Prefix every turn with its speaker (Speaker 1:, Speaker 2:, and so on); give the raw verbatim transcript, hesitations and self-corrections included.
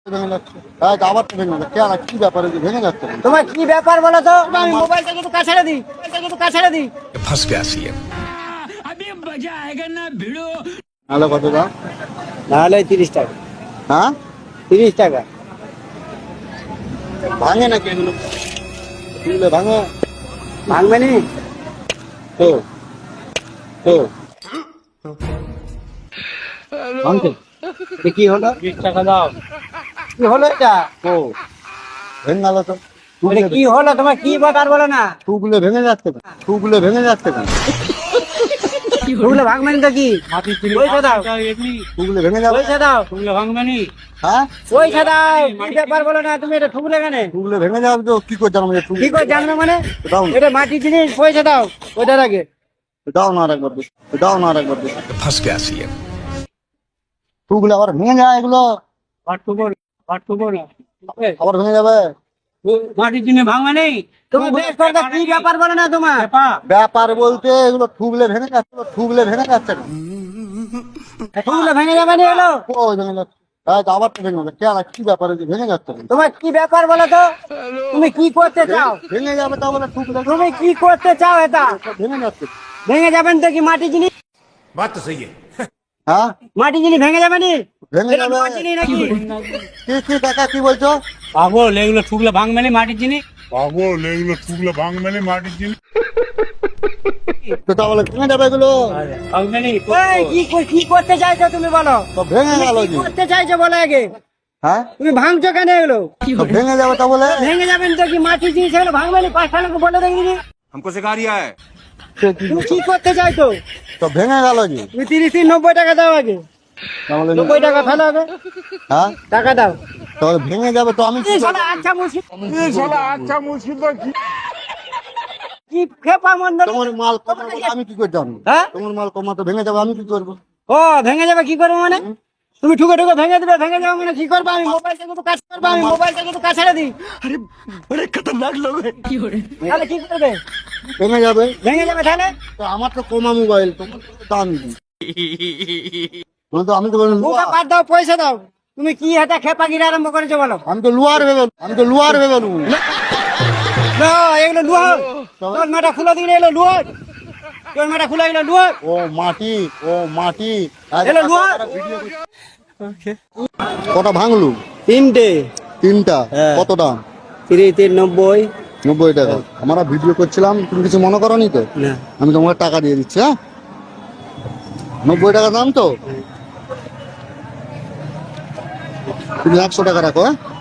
Speaker 1: ভেঙে যাচ্ছে। হ্যাঁ, আবার তো ভেঙে যাচ্ছে। কেন, কি ব্যাপার, এই যে ভেঙে যাচ্ছে কেন?
Speaker 2: তোমার কি ব্যাপার বলো তো? আমি মোবাইলটা কিন্তু কাছাড়ে দিই, মোবাইলটা কিন্তু কাছাড়ে দিই।
Speaker 3: फंस गया सी है।
Speaker 1: নাহলে কত দাম?
Speaker 2: নাহলে তিরিশ টাকা।
Speaker 1: হ্যাঁ,
Speaker 2: তিরিশ টাকা
Speaker 1: ভাঙে নাকি এগুলো? এগুলো ভাঙে
Speaker 2: ভাঙবে নি?
Speaker 1: তো তো ভাঙছে।
Speaker 2: এ কি হলো?
Speaker 1: বিশ টাকা দাও।
Speaker 2: কি হলো এটা?
Speaker 1: ও ভেঙে গেল তো।
Speaker 2: এটা কি হলো? তোমার কি ব্যাপার বলো না?
Speaker 1: টুগুলো ভেঙে যাচ্ছে কেন? টুগুলো ভেঙে যাচ্ছে কেন?
Speaker 2: ওগুলো ভাঙবে নি তো কি? পয়সা দাও,
Speaker 1: টুগুলো ভেঙে যাবে।
Speaker 2: পয়সা দাও,
Speaker 1: হ্যাঁ,
Speaker 2: পয়সা দাও। কি ব্যাপার বলো না? তুমি এটা ঠুকলে কেন?
Speaker 1: টুগুলো ভেঙে যাবে তো কি করে জানো?
Speaker 2: কি করে জানবে মানে?
Speaker 1: দাও না,
Speaker 2: এটা মাটির জিনিস, পয়সা দাও ওইটার আগে।
Speaker 1: দাও না, আর একবার দিস, দাও না, আর একবার দিস।
Speaker 3: फंस गया सी है।
Speaker 1: টুগুলো আবার ভেঙে যায়, এগুলো আবার ভেঙে যাবে।
Speaker 2: মাটির জিনিস ভাঙবে নেই। তুমি বেশ করে দাও, কি ব্যাপার বলো না তোমার?
Speaker 1: ব্যাপার বলতে এগুলো ঠুকলে ভেঙে যাচ্ছে, ঠুকলে ভেঙে যাচ্ছে না।
Speaker 2: ঠুকলে ভেঙে যাবে না এলো?
Speaker 1: ওই ভেঙে যাচ্ছে। হ্যাঁ, আবার তো ভেঙে যাচ্ছে। কেন, কি ব্যাপার, এই যে ভেঙে যাচ্ছে কেন?
Speaker 2: তোমার কি ব্যাপার বলো তো? তুমি কি করতে চাও?
Speaker 1: ভেঙে যাবে তা বলে ঠুকলে
Speaker 2: তুমি কি করতে চাও? এটা
Speaker 1: ভেঙে যাচ্ছে।
Speaker 2: ভেঙে যাবেন তো কি? মাটির জিনিস,
Speaker 3: बात तो सही है।
Speaker 1: হ্যাঁ,
Speaker 2: মাটির জিনিস ভেঙে যাবে নি?
Speaker 1: ভেঙে
Speaker 2: এটা
Speaker 1: যাবে।
Speaker 2: তোমার জিনিস নাকি?
Speaker 1: কি কি কাকা, কি বলছো?
Speaker 2: পাগল, এগুলো ঠুকলে ভাঙবে না মাটির জিনিস।
Speaker 4: পাগল, এগুলো টুকলে ভাঙবে না মাটির জিনিস।
Speaker 1: তো তা বলে ভেঙে যাবে এগুলো।
Speaker 2: ভাঙবে নি। এই, কি কর- কি করতে চাইছো তুমি বলো?
Speaker 1: তো ভেঙে গেল
Speaker 2: কি
Speaker 1: কি?
Speaker 2: করতে চাইছো বলো আগে?
Speaker 1: হ্যাঁ,
Speaker 2: তুমি ভাঙছো কেন এগুলো?
Speaker 1: তো ভেঙে যাবে তা বলে।
Speaker 2: ভেঙে যাবেন তো কি? মাটির জিনিস এগুলো ভাঙবে না। পাঁচটা লোক বলে দেখিনি।
Speaker 3: हमको सिखा रिया है।
Speaker 1: সে কি?
Speaker 2: তুমি কি করতে চাইছো?
Speaker 1: তো ভেঙে গেল কি?
Speaker 2: তুমি তিরিশ তিন নব্বই টাকা দাও আগে।
Speaker 1: তাহলে
Speaker 2: নব্বই টাকা ফেলো আগে,
Speaker 1: হ্যাঁ,
Speaker 2: টাকা দাও।
Speaker 1: তাহলে ভেঙে যাবে তো আমি কি
Speaker 2: এই
Speaker 1: করবো?
Speaker 2: শালা আচ্ছা মুশকিল,
Speaker 4: এই শালা আচ্ছা মুশকিল তো কি?
Speaker 2: কি খেপা মন্দ।
Speaker 1: তোমার মাল কমা বলে আমি কি করে জানবো?
Speaker 2: হ্যাঁ?
Speaker 1: তোমার মাল কমা তো ভেঙে যাবে, আমি কি করবো?
Speaker 2: ও ভেঙে যাবে, কি করবো মানে? তুমি ঠুকে ঠুকে ভেঙে দেবে, ভেঙে যাবে মানে কি করবো? আমি মোবাইলটা কিন্তু কাজ করবো, আমি মোবাইলটা কিন্তু কাছাড়ে দিই।
Speaker 3: बड़े खतरनाक लोग हैं।
Speaker 2: তাহলে কি করবে?
Speaker 1: ভেঙে যাবে।
Speaker 2: ভেঙে যাবে তাহলে?
Speaker 1: তো আমার তো কমা মোবাইল, তোমার তো দামি। মানে তো আমি তো বলি
Speaker 2: ওটা
Speaker 1: লুয়া।
Speaker 2: বাদ দাও, পয়সা দাও। তুমি কি এটা খেপাগিরি আরম্ভ করেছো বলো?
Speaker 1: আমি তো লুয়ার ভেবে, আমি তো লুয়ার ভেবে লু।
Speaker 2: না, এগুলো লুহা। তোর মেটা খুলে দিলে এলো লুহা। তোর মেটা খুলে গেলো লুহা।
Speaker 1: ও মাটি, ও মাটি। আজ
Speaker 2: এলো লুয়া।
Speaker 1: ভিডিও করছি। কটা ভাঙলু?
Speaker 2: তিনটে।
Speaker 1: তিনটা।
Speaker 2: হ্যাঁ।
Speaker 1: কত দাম?
Speaker 2: তিরিশ তিন নব্বই।
Speaker 1: নব্বই টাকা। আমরা ভিডিও করছিলাম, তুমি কিছু মনে করো নি তো?
Speaker 2: না।
Speaker 1: আমি তোমাকে টাকা দিয়ে দিচ্ছি। হ্যাঁ, নব্বই টাকা দাম তো, তুমি একশো টাকা রাখো। হ্যাঁ।